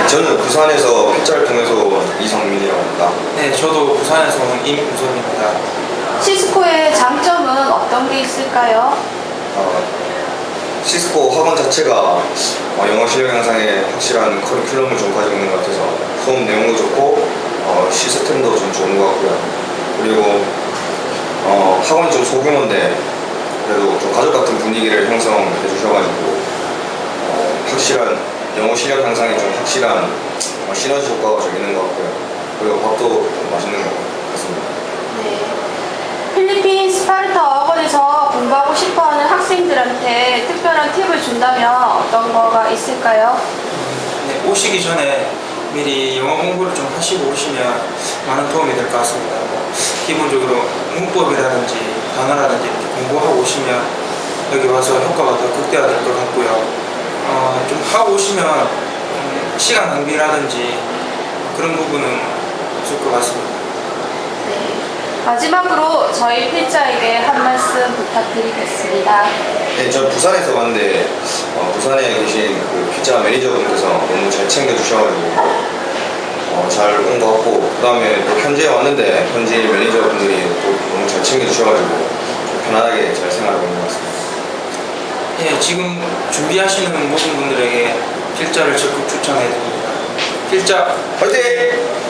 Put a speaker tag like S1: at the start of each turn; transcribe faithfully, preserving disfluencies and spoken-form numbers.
S1: 저는 부산에서 필자를 통해서 온 이성민이라고 합니다.
S2: 네, 저도 부산에서 온 임우선입니다.
S3: 시스코의 장점은 어떤 게 있을까요?
S1: 어, 시스코 학원 자체가 어, 영어 실력 향상에 확실한 커리큘럼을 좀 가지고 있는 것 같아서 수업 내용도 좋고 어, 시스템도 좀 좋은 것 같고요. 그리고 어, 학원이 좀 소규모인데 그래도 좀 가족 같은 분위기를 형성해 주셔가지고 어, 확실한 영어 실력 향상에 좀 확실한 어, 시너지 효과가 좀 있는 것 같고요. 그리고 밥도 좀 맛있는 것 같습니다.
S3: 네. 필리핀 스파르타 어학원에서 공부하고 싶어하는 학생들한테 특별한 팁을 준다면 어떤 거가 있을까요?
S2: 네, 오시기 전에 미리 영어 공부를 좀 하시고 오시면 많은 도움이 될 것 같습니다. 뭐, 기본적으로 문법이라든지 단어라든지 이렇게 공부하고 오시면 여기 와서 효과가 더 극대화될 것 같고요. 어, 좀 하고 오시면 음, 시간 낭비라든지 그런 부분은 없을 것 같습니다.
S3: 네. 마지막으로 저희 필자에게 한 말씀 부탁드리겠습니다.
S1: 네, 저 부산에서 왔는데 어, 부산에 계신 그 피자 매니저분께서 너무 잘 챙겨주셔가지고 어, 잘 온 것 같고 그 다음에 또 현지에 왔는데 현지 매니저분들이 또 너무 잘 챙겨주셔가지고 좀 편안하게 잘 생활하고 있는 것 같습니다.
S2: 예, 지금 준비하시는 모든 분들에게 필자를 적극 추천해 드립니다. 필자
S1: 화이팅!